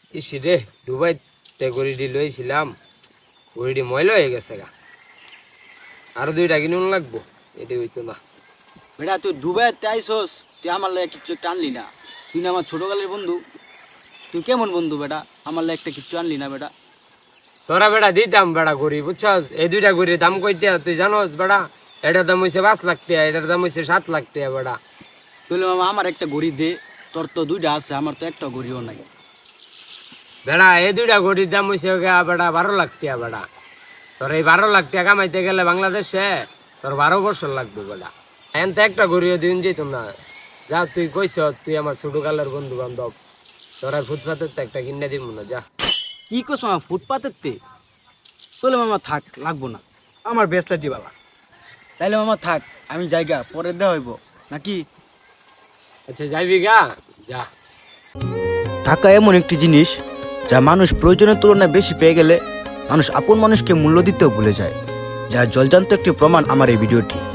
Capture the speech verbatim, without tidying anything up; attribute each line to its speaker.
Speaker 1: EC রে দুবাইতে গড়িটি লইছিলাম, গড়িটি ময়লা হয়ে গেছে গা। আরো দুইটা কিনুন লাগবো, এটি হইতো না।
Speaker 2: বেটা তুই দুবাইতে আইসোস, তুই আমার লাগে কিচ্ছু একটা আনলি না। তুই না আমার ছোটকালের বন্ধু, তুই কেমন বন্ধু বেটা? আমার লাগে একটা কিচ্ছু আনলি না বেটা।
Speaker 1: তোরা বেটা দিতাম বেটা গড়ি, বুঝছস? এই দুইটা গড়ির দাম কইটা তুই জানোস বেটা? এটার দাম হইছে পাঁচ লাখ টাকা, এটার দাম হইছে সাত লাখ টাকা বেটা।
Speaker 2: তুই মামা আমার একটা ঘড়ি দে, তোর তো দুইটা আছে, আমার তো একটা ঘড়িও নাই।
Speaker 1: বেড়া এই দুইটা গড়ির দাম হইছে গা বেটা বারো লাখ টাকা বেটা। তোর এই বারো লাখ টাকা কামাইতে গেলে বাংলাদেশে তোর বারো বছর লাগবে বেটা। এখন তো একটা গড়িও দিন যেত না। যা তুই কইছ তুই আমার ছোটকালের বন্ধু বান্ধব, তোরা ফুটপাতের তো একটা কিনে দিব না, যা।
Speaker 2: কি করছ মামা ফুটপাতের তে? বলে মামা থাক, লাগবো না, আমার বেসলাটি বালা। তাইলে মামা থাক, আমি জায়গা পরে দেওয়া হইব নাকি?
Speaker 1: আচ্ছা যাইবি গা, যা।
Speaker 2: টাকা এমন একটি জিনিস যা মানুষ প্রয়োজনের তুলনায় বেশি পেয়ে গেলে মানুষ আপন মানুষকে মূল্য দিতেও ভুলে যায়, যার জলজান্ত একটি প্রমাণ আমার এই ভিডিওটি।